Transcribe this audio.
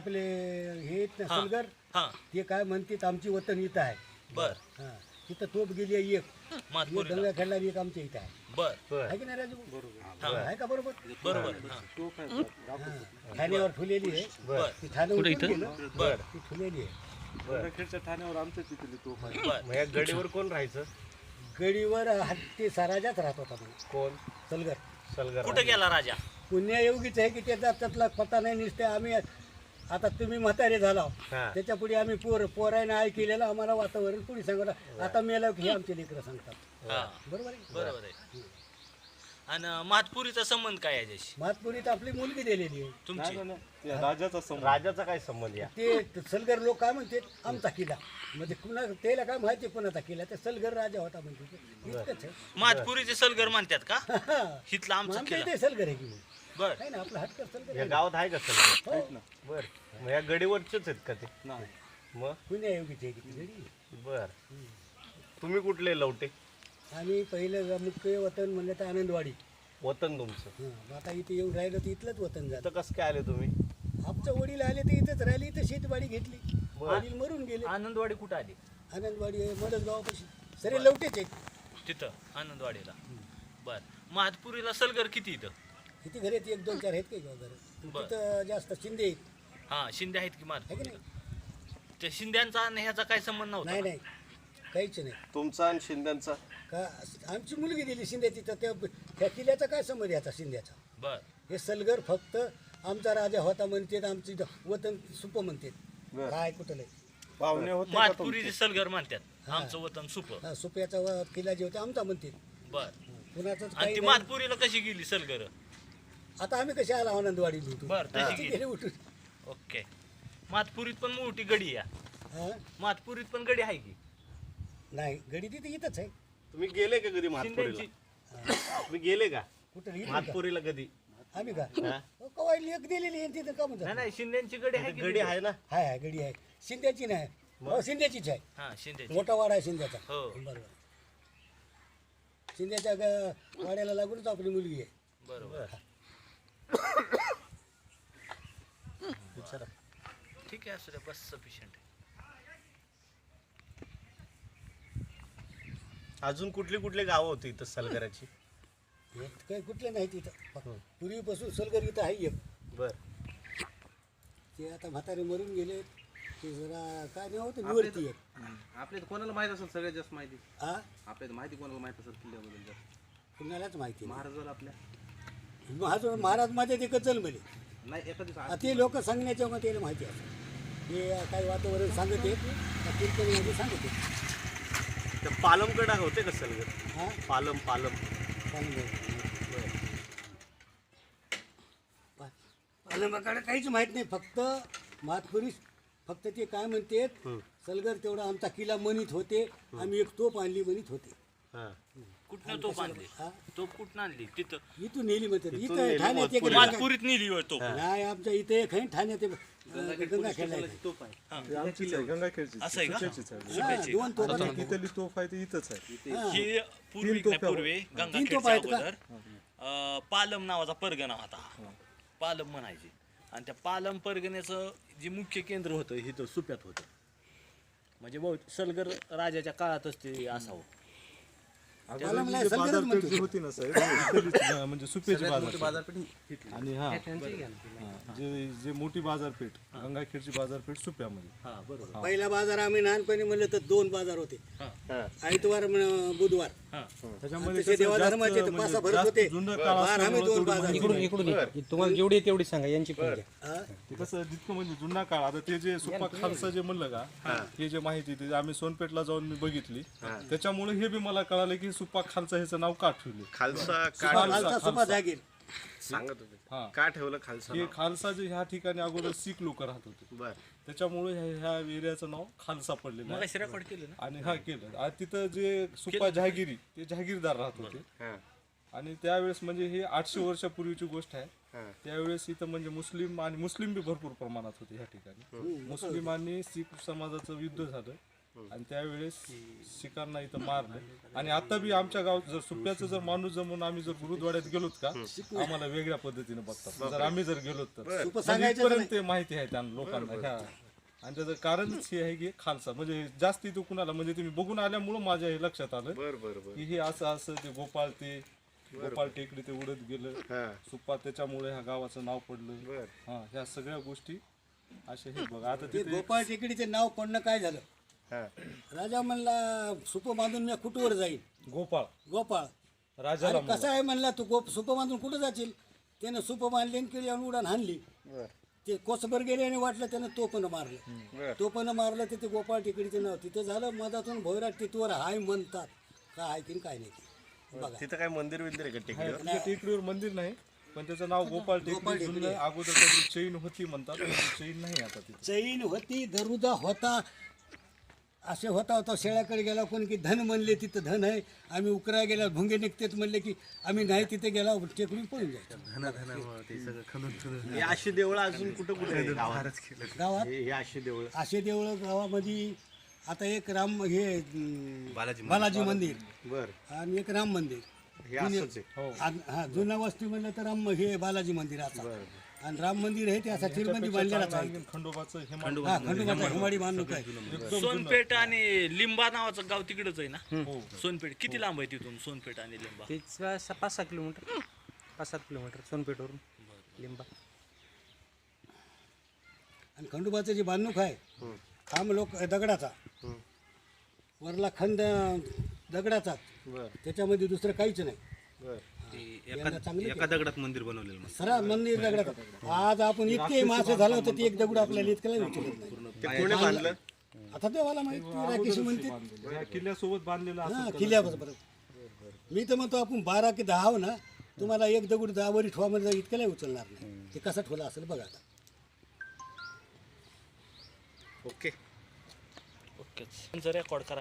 आपले हे आहेत ना हा. सलगर हा ते काय म्हणतात आमची वतन इथं आहे. बर हा तिथं तोप गेली आहे एक मातपुरीला गंगा खेळला एक आमच्या इथं आहे. बर आहे की नाही राजू? हा. आहे का बरोबर? बरोबर हा. हा. ठाण्यावर ठुलेली आहे. बर ती ठाणे उतरून गेलं. बर ती ठुलेली आहे. गंगाखेडच्या ठाण्यावर आमच्या तिथली तोफ आहे. बर मग या गडीवर कोण राहायचं? गडीवर हत्ती सराजाच राहत होता म्हणून कोण? सलगर. सलगर. कुठे गेला राजा? पुण्यायोगीच आहे की त्याचा त्यातला पत्ता नाही निसते आम्ही आता तुम्ही म्हातारे झाला हा. त्याच्या पुढे आम्ही पोरायनं आय केलेलं आम्हाला वातावरण पुढे सांगत आता मेला की हे आमचे लेकरं सांगतात. हा बरोबर आहे. बरोबर आहे. आणि मातपुरीचा संबंध काय आहे याच्याशी मातपुरीत आपली मुलगी दिलेली आहे. तुमची? नाही, नाही, त्या राजाचा संबंध. राजाचा काय संबंध या? ते सलगर लोक काय म्हणते आमचा किल्ला म्हणजे कुणा त्याला काय माहिती कोणाचा किल्ला ते सलगर राजा होता म्हणते ते. इतकंच आहे. मातपुरीचे सलगर म्हणतात का? हा. हिथला मग आमचा आमच्या किल्ला. इथे सलगर आहे की मग. बर आहे ना आपलं हटकर सलगर या आहे. गावात आहे का सलगर? हो. बर. मग या गडीवरचेच आहेत का ते? नाही. मग पुण्यायोगीच आहे की ती गडी. बर. तुम्ही कुठले लवटे? आम्ही पहिलं मुख्य वतन म्हणलं तर आनंदवाडी. वतन तुमचं. हां मग आता इथे येऊन राहिलं तर इथलंच वतन झालं. इथं कसं काय आले तुम्ही? आमचं वडील आले तर इथंच राहिले इथं शेतवाडी घेतली. बरं. वडील मरून गेले. आनंदवाडी कुठं आली? आनंदवाडी आहे मदत गावापाशी सरे लवटेच आहेत. तिथं आनंदवाडीला. बर मातपुरीला सलगर किती इथं? किती घरे आहेत? 1-2-4 आहेत काही घर. बरं. तिथं जास्त शिंदे आहेत. हा शिंदे आहेत की आहे की मातपुरीला? नाही? त्या शिंद्यांचा आणि ह्याचा काय संबंध नव्हता? नाही नाही काहीच नाही. तुमचा आणि शिंद्यांचा? का आमची मुलगी दिली शिंदे तिथं त्या किल्ल्याचा काय संबंध याचा शिंद्याचा? बर हे सलगर फक्त आमचा राजा होता म्हणतात आमची वतन सुप म्हणतात. बरं. काय कुठलं पाहुणे होते का मातपुरीचे सलगर म्हणतात आमचं वतन सुप. हा सुप्याचा किल्ला जे होता आमचा म्हणतात. बर कुणाचंच आणि काही ती नाही. मातपुरीला कशी गेली सलगर? आता आम्ही कशी आला आनंदवाडी उठून. बरं, तशी ती गेली. गेली उठून. ओके. मातपुरीत पण मोठी गडी आहे. हा? मातपुरीत पण गडी आहे की? नाही गडी तिथे इथंच आहे. तुम्ही गेले का कधी मातपुरीला? शिंद्यांची. तुम्ही गेले का कुठं इथं का? मातपुरीला कधी? आम्ही का हा? कवाय लेख दिलेली आहे तिथं का म्हणतात? नाही नाही शिंद्यांची गडी आहे की गडी तिथं? आहे ना? हाय हाय गडी आहे शिंद्याची नाही. हो शिंद्याचीच आहे. हा शिंद्याची. मोठा वाडा आहे शिंद्याचा. हो. बरोबर शिंद्याच्या वाड्याला लागूनच आपली मुलगी आहे. बरोबर. ठीक आहे असू द्या बस सफिशियंट आहे. अजून कुठली कुठली गावं होती इथं सलगराची? हे काही कुठले नाही तिथं फक्त पूर्वीपासून सलगर इथं आहे एक. बर. ते आता म्हातारे मरून गेले ते जरा काय नाही होतं निवडती एक. आपल्या कोणाला माहित असेल सगळ्यात जास्त माहिती? हा आपल्याला माहिती कोणाला माहित असेल किल्ल्याबद्दल जास्त? कुणालाच माहिती नाही. महाराजाला आपल्या महाराज माझ्या ते कचल मध्ये नाही एखादी ते लोक सांगण्याच्या मग त्याला माहिती असतं. हे काही वातावरण सांगत आहेत त्या कीर्तनामध्ये सांगत आहेत. त्या पालमकडे होते का सलगर? हा पालम पालमाकडे काहीच माहित नाही फक्त मातपुरी फक्त ते काय म्हणतात सलगर तेवढा आमचा किल्ला म्हणत होते आम्ही एक तोप आणली म्हणत होते. हा. कुठनं तोप आणली? हा? तोप कुठनं आणली? तिथं इथून नेली म्हणतात इथून इथं नेली ठाण्यात एक मातपुरीत नेली होय तोप. नाही आमच्या इथे एक आहे ठाण्यात एक, गंगा खेळला तोफ आहे. ती आमचीच आहे गंगाखेडची. असं आहे का? सुप्याचीच आहे. सुप्याची. दोन तोप आता तिथली तोफ आहे ती इथंच आहे. ही पूर्वी तीन तोफा पूर्वी तीन गंगाखेडच्या तोफा आहेत का? अगोदर पालम नावाचा परगणा होता. पालम म्हणायचे आणि त्या पालम परगण्याचं जे मुख्य केंद्र होतं हे तर सुप्यात होतं. म्हणजे सलगर राजाच्या काळातच ते असावं. अगोदर मला जी सलगरच बाजारपेठ म्हणतो. जी होती ना साहेब इथलीच, म्हणजे सुप्याची सगळ्यात मोठी बाजारपेठ. बाजारपेठ आणि हा त्यांची घ्या ना. जे मोठी बाजारपेठ गंगाखेडची बाजारपेठ सुप्यामध्ये. हा बरोबर. पहिला बाजार आम्ही लहानपणी म्हणलं तर 2 बाजार होते हा. आयतवार बुधवार. हा त्याच्यामध्ये तसे कसं देवाधर्माचे जास्त तर म्हणजे पासा भरत जास्त होते. जुनं काळ बार आम्ही असल्यामुळं 2 तेवढी बाजार माहिती नाही. तुम्हाला जेवढी आहे तेवढी सांगा यांची पण घ्या. हा? ते कसं जितकं म्हणजे जुना काळ आता ते जे सुप्पा खालसा जे म्हणलं का हे जे माहिती ते आम्ही सोनपेठला जाऊन मी बघितली त्याच्यामुळे हे बी मला कळालं की सुप्पा खालसा ह्याचं नाव का ठेवले. खालसा खालचा सुपा जागीर. सांगत होते हा. का ठेवलं खालसा हे नाव? खालसा जे ह्या ठिकाणी अगोदर सीख लोक राहत होते बर. त्याच्यामुळे ह्या एरियाचं नाव खालसा पडलेलं मला आहे. रेकॉर्ड केलं ना. आणि हा केलं आणि तिथं जे सुप्पा जहागिरी ते जहागीरदार राहत होते. हा. आणि त्यावेळेस म्हणजे हे 800 वर्षापूर्वीची गोष्ट आहे. हा. त्यावेळेस इथं म्हणजे मुस्लिम बी भरपूर प्रमाणात होते ह्या ठिकाणी. मुस्लिम आणि शीख समाजाचं युद्ध झालं आणि त्यावेळेस शिकांना इथं मारलं. आणि आता बी आमच्या गावात जर सुप्याचं जर माणूस जमून आम्ही जर गुरुद्वाड्यात गेलोत का आम्हाला वेगळ्या पद्धतीने बघतात जर आम्ही जर गेलो तर सुप म्हणजे सांगायचं इथपर्यंत ते माहिती आहे त्या लोकांना ह्या. आणि त्याचं कारणच हे आहे की खालसा म्हणजे जास्त इथं कुणाला म्हणजे तुम्ही बघून आल्यामुळं माझ्या हे लक्षात आलं की हे असं असं ते गोपाळ टेकडी ते उडत गेलं सुप्पा त्याच्यामुळे ह्या गावाचं नाव पडलं. हा ह्या सगळ्या गोष्टी अशा हे बघ आता ते तिथे गोपाळ टेकडीचे नाव पडणं काय झालं हा. राजा म्हणला सुप बांधून मी कुठवर जाईल गोपाळ राजाला अरे कसा आहे म्हणला तू सुप बांधून कुठं जाशील त्यानं सुप बांधली आणि केली आणि उडान हाणली ते कोसभर गेले आणि वाटलं त्यानं तोपण मारलं तोपण मारलं तर ते गोपाळ टेकडीचे नाव तिथं झालं मधातून भोयराट तिथवर हाय म्हणतात काय आहे की काय नाही बघा तिथं काय मंदिर बिंदिर आहे का टेकडीवर? तिथे टेकडीवर मंदिर नाही पण त्याचं नाव गोपाळ टेकडी जुनं अगोदर काहीतरी चैन होती म्हणतात पण ती चैन नाही आता तिथे. चैन होती दरुदा होता असे होता शेळ्याकडे गेला कोणी की धन म्हणले तिथं धन आहे आम्ही उकरा गेला भुंगे निघतेच म्हणले की आम्ही नाही तिथे गेला टेकडून पळून जायचं हे अशी देवळं अजून कुठं कुठे आहे गावात? गावात हे अशी देवळं असे देवळं गावामध्ये आता एक राम हे बालाजी मंदिर बर आणि एक राम मंदिर हे असंच आहे. हा जुन्या वस्ती म्हणलं तर राम हे बालाजी मंदिर आता आणि राम मंदिर आहे ते असा चिरबंदी बांधलेलाच आहे आणखीन खंडोबाचं हे हा खंडोबाचा हिमाडी बांधणूक आहे सोनपेठ आणि लिंबा नावाचं गाव तिकडच आहे ना सोनपेठ किती लांब आहे तिथून सोनपेठ आणि लिंबा? तिथं 5-6 किलोमीटर 5-7 किलोमीटर सोनपेठवरून लिंबा. आणि खंडोबाचं जे बांधणूक आहे खांब लोक दगडाचा वरला खंड दगडाचा बर त्याच्यामध्ये दुसरं काहीच नाही बर एका दगडात मंदिर बनवलेलं मग सरा मंदिर दगडाचा आज आपण इतके मासे झालं होतं ती एक दगड आपल्याला इतक्याला विचारत नाही ते कोणी बांधलं? आता देवाला माहिती राकेशी म्हणते या किल्ल्यासोबत बांधलेलं हा किल्ल्याबरोबर मी तर म्हणतो आपण 12 की 10 ना तुम्हाला एक दगड 10 वरी ठेवामध्ये इतक्याला उचलणार नाही ते कसा ठेवला असेल बघा आता ओके ओके रेकॉर्ड करा.